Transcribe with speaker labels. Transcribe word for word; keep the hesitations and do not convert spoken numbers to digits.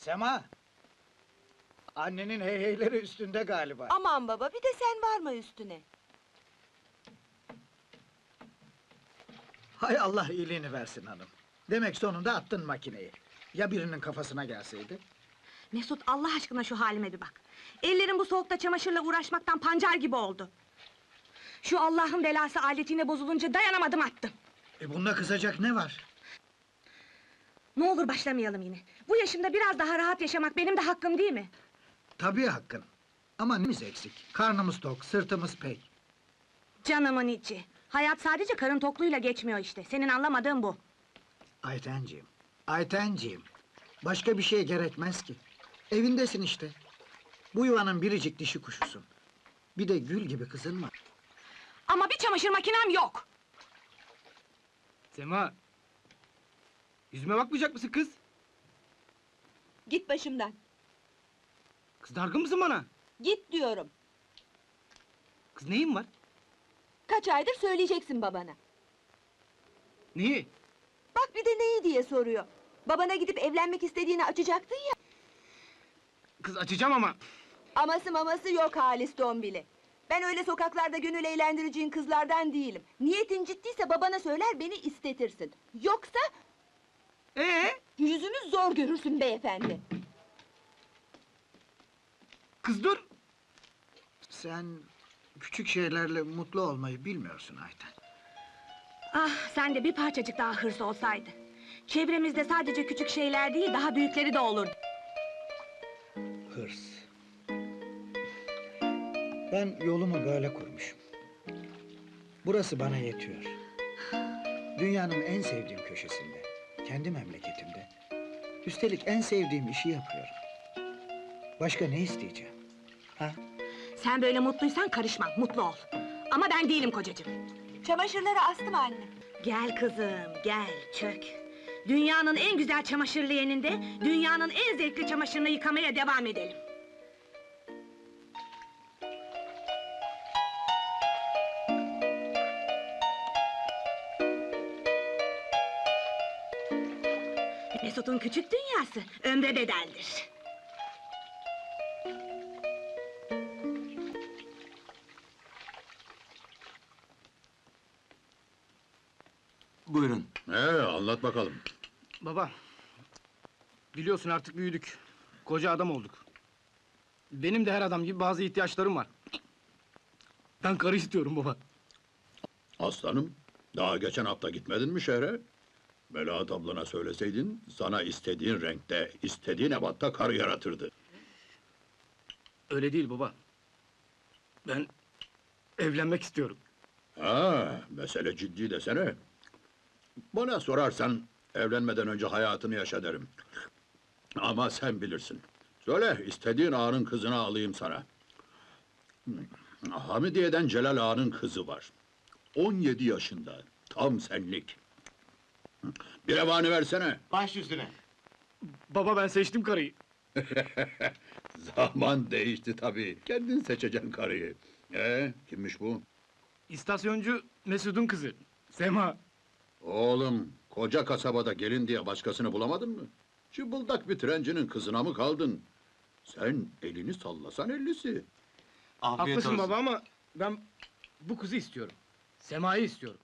Speaker 1: Sema! Annenin heyheyleri üstünde galiba.
Speaker 2: Aman baba, bir de sen varma üstüne.
Speaker 1: Hay Allah iyiliğini versin hanım. Demek sonunda attın makineyi. Ya birinin kafasına gelseydi?
Speaker 3: Mesut, Allah aşkına şu halime bir bak. Ellerim bu soğukta çamaşırla uğraşmaktan pancar gibi oldu. Şu Allah'ın belası aletine bozulunca dayanamadım, attım.
Speaker 1: E bunda kızacak ne var?
Speaker 3: Ne olur başlamayalım yine. Bu yaşımda biraz daha rahat yaşamak benim de hakkım değil mi?
Speaker 1: Tabii hakkın. Ama neyimiz eksik? Karnımız tok, sırtımız pek.
Speaker 3: Canımın içi. Hayat sadece karın tokluğuyla geçmiyor işte. Senin anlamadığın bu.
Speaker 1: Aytenciğim, Aytenciğim. Başka bir şey gerekmez ki. Evindesin işte. Bu yuvanın biricik dişi kuşusun. Bir de gül gibi kızın var.
Speaker 3: Ama bir çamaşır makinem yok.
Speaker 4: Sema! Yüzüme bakmayacak mısın kız?
Speaker 2: Git başımdan.
Speaker 4: Kız dargın mısın bana?
Speaker 2: Git diyorum.
Speaker 4: Kız neyin var?
Speaker 2: Kaç aydır söyleyeceksin babana.
Speaker 4: Neyi?
Speaker 2: Bak bir de neyi diye soruyor. Babana gidip evlenmek istediğini açacaktın ya.
Speaker 4: Kız açacağım ama.
Speaker 2: Aması maması yok Halis Dombili. Ben öyle sokaklarda gönül eğlendireceğin kızlardan değilim. Niyetin ciddiyse babana söyler, beni istetirsin. Yoksa
Speaker 4: Ee?
Speaker 2: yüzünü zor görürsün beyefendi.
Speaker 4: Kız dur!
Speaker 1: Sen küçük şeylerle mutlu olmayı bilmiyorsun Ayten.
Speaker 3: Ah, sen de bir parçacık daha hırs olsaydı. Çevremizde sadece küçük şeyler değil, daha büyükleri de olurdu.
Speaker 1: Hırs. Ben yolumu böyle kurmuşum. Burası bana yetiyor. Dünyanın en sevdiğim köşesinde, kendi memleketimde. Üstelik en sevdiğim işi yapıyorum. Başka ne isteyeceğim? Ha?
Speaker 3: Sen böyle mutluysan karışmam, mutlu ol. Ama ben değilim kocacığım.
Speaker 2: Çamaşırları astım anne.
Speaker 3: Gel kızım, gel, çök. Dünyanın en güzel çamaşır leğeninde, dünyanın en zevkli çamaşırını yıkamaya devam edelim. Mesut'un küçük dünyası, ömre bedeldir.
Speaker 5: Buyurun.
Speaker 6: Ee, anlat bakalım.
Speaker 4: Baba. Biliyorsun artık büyüdük. Koca adam olduk. Benim de her adam gibi bazı ihtiyaçlarım var. Ben karı istiyorum baba.
Speaker 6: Aslanım, daha geçen hafta gitmedin mi şehre? Melahat ablana söyleseydin, sana istediğin renkte, istediğin ebatta karı yaratırdı.
Speaker 4: Öyle değil baba. Ben evlenmek istiyorum.
Speaker 6: Ha, mesele ciddi desene. Bana sorarsan, evlenmeden önce hayatını yaşa derim. Ama sen bilirsin. Söyle, istediğin ağanın kızını alayım sana. Hamidiye'den Celal ağanın kızı var. On yedi yaşında, tam senlik. Bir revani versene.
Speaker 5: Baş üstüne.
Speaker 4: Baba ben seçtim karıyı.
Speaker 6: Zaman değişti tabii. Kendin seçeceksin karıyı. Ee, kimmiş bu?
Speaker 4: İstasyoncu Mesut'un kızı. Sema.
Speaker 6: Oğlum, koca kasabada gelin diye başkasını bulamadın mı? Çıbıldak bir trencinin kızına mı kaldın? Sen elini sallasan ellisi.
Speaker 5: Afiyet
Speaker 4: Haklısın
Speaker 5: olsun.
Speaker 4: baba ama ben bu kızı istiyorum. Sema'yı istiyorum.